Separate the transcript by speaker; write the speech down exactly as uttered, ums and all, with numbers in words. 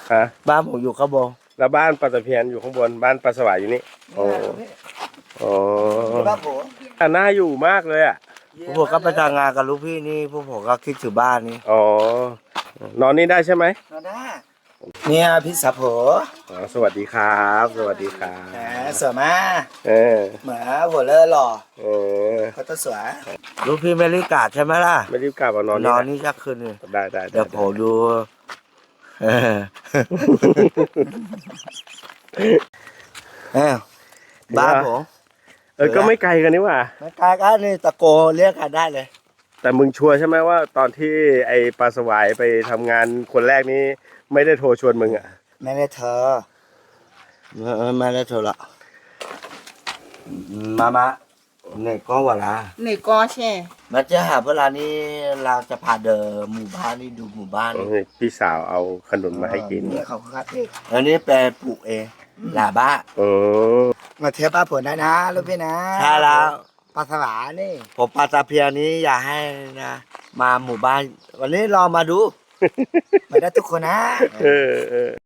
Speaker 1: ฮะ
Speaker 2: บ้านผมอยู่ข้างบน
Speaker 1: แล้วบ้านปลาตะเพียนอยู่ข้างบนบ้านปลาสวายอยู่นี่โอ้โอ้
Speaker 2: บ้านผม
Speaker 1: อ่ะน่าอยู่มากเลยอ่ะ
Speaker 2: พวกผมก็ไปทำงานกับลูกพี่นี่พวกผมก็คิดถึงบ้านนี่
Speaker 1: อ๋อนอนนี่ได้ใช่ไหม
Speaker 2: นอนได้เนี่ยพี่สาวผม
Speaker 1: อ๋อสวัสดีครับสวัสดีครั
Speaker 2: แหม
Speaker 1: บ
Speaker 2: สวยมาก
Speaker 1: เออ
Speaker 2: เหมือนหัวเล่อหล่อ
Speaker 1: เออ
Speaker 2: เขาต้องสวยลูกพี่ไม่รีบกาดใช่ไหมล่ะ
Speaker 1: ไม่รีบกลับมานอน
Speaker 2: น
Speaker 1: นี่
Speaker 2: อน
Speaker 1: แหละ
Speaker 2: นี่สักคืนหนึง
Speaker 1: ได้ได้
Speaker 2: เดี๋ยวผมดูเออเอ้าบ้านผม
Speaker 1: เออก็ไม่ไกลกันนี่หว่า
Speaker 2: ไม่ไกลกันนี่ตะโกเรียกกันได้เลย
Speaker 1: แต่มึงชัวร์ใช่ไหมว่าตอนที่ไอปลาสวายไปทำงานคนแรกนี้ไม่ได้โทรชวนมึงอ่ะ
Speaker 2: ไม่ได้เธอเออไม่ได้เธอละมามาเนี่ยก็ว่าละ
Speaker 3: ไหนก็แช่
Speaker 2: มาเจอหาเวลานี้เราจะพาเดินหมู่บ้านนี่ดูหมู่บ้านนี่
Speaker 1: พี่สาวเอาขนมมาให้กิน
Speaker 2: เนี่ยเขาคัดเองอันนี้แปลปลูกเองหลาบ้า
Speaker 1: เออ
Speaker 2: มาเทียบป้าผลได้นะลูกพี่นะใช่แล้วปลาสวานี่ผมปลาตะเพียนนี้อยากให้นะ มาหมู่บ้าน วันนี้ลองมาดู ไม่ได้ทุกคนนะ
Speaker 1: เออเออ